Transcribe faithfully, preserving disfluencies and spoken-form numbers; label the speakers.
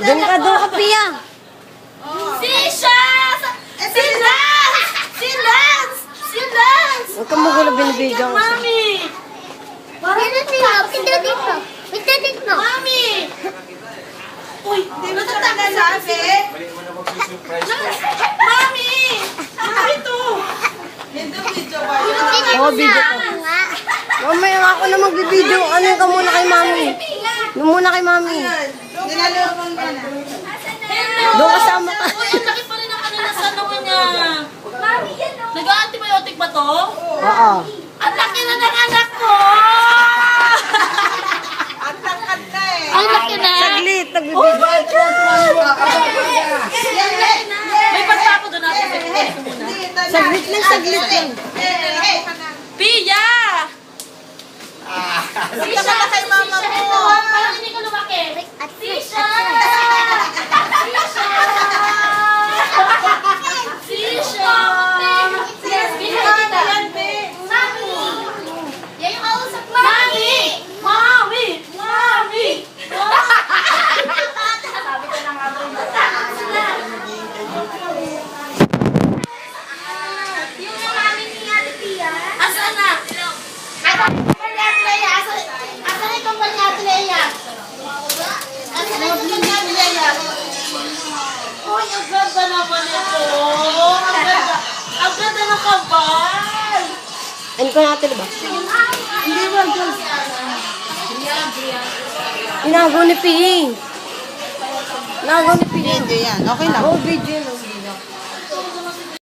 Speaker 1: Doon ka, doon ka, Pia.
Speaker 2: Si Sha! Si Lance! Si Lance! Si Lance!
Speaker 1: Huwag kang magulo, binibigyan ko siya.
Speaker 2: Mami!
Speaker 3: Wait na dito.
Speaker 2: Mami! Uy, di ba ito nagsasabi? Mami! Mami ito!
Speaker 1: Oo, video ko. Mamaya nga ako na magbibideo. Ano ka muna kay mami? Doon muna kay mami. Doon kasama ka.
Speaker 2: Uy, ang laki pa rin ang kanila sa ano niya. Nag-antibiotic ba to?
Speaker 1: Oo.
Speaker 2: Ang laki na ng anak ko! Ang laki na!
Speaker 1: Saglit, nagbibideo.
Speaker 2: May pagpa ako doon natin. Pagpapalik ko muna.
Speaker 1: Saglit lang, saglit lang.
Speaker 2: Pia! Sisha! Kay mama mo! Parang hindi ko lumaki. Sisha! Sisha! Sisha! Mami! Yan yung kausap mo. Mami! Mami! Mami! Sabi ko na nga ba yung matakot sila. Yung mami ni Ate Pia. Asan na? Asan ni Ate Leia? Asan ni kumpanya ni Ate Leia? Asan ni kumpanya ni Ate Leia? Uy, ang ganda naman ito. Ang ganda. Ang ganda ng kabal.
Speaker 1: Ano ko natin ba?
Speaker 2: Hindi ba, Diyos?
Speaker 1: Inago ni Pia. Inago ni Pia.
Speaker 4: Video yan. Okay lang.
Speaker 1: Oo, video na.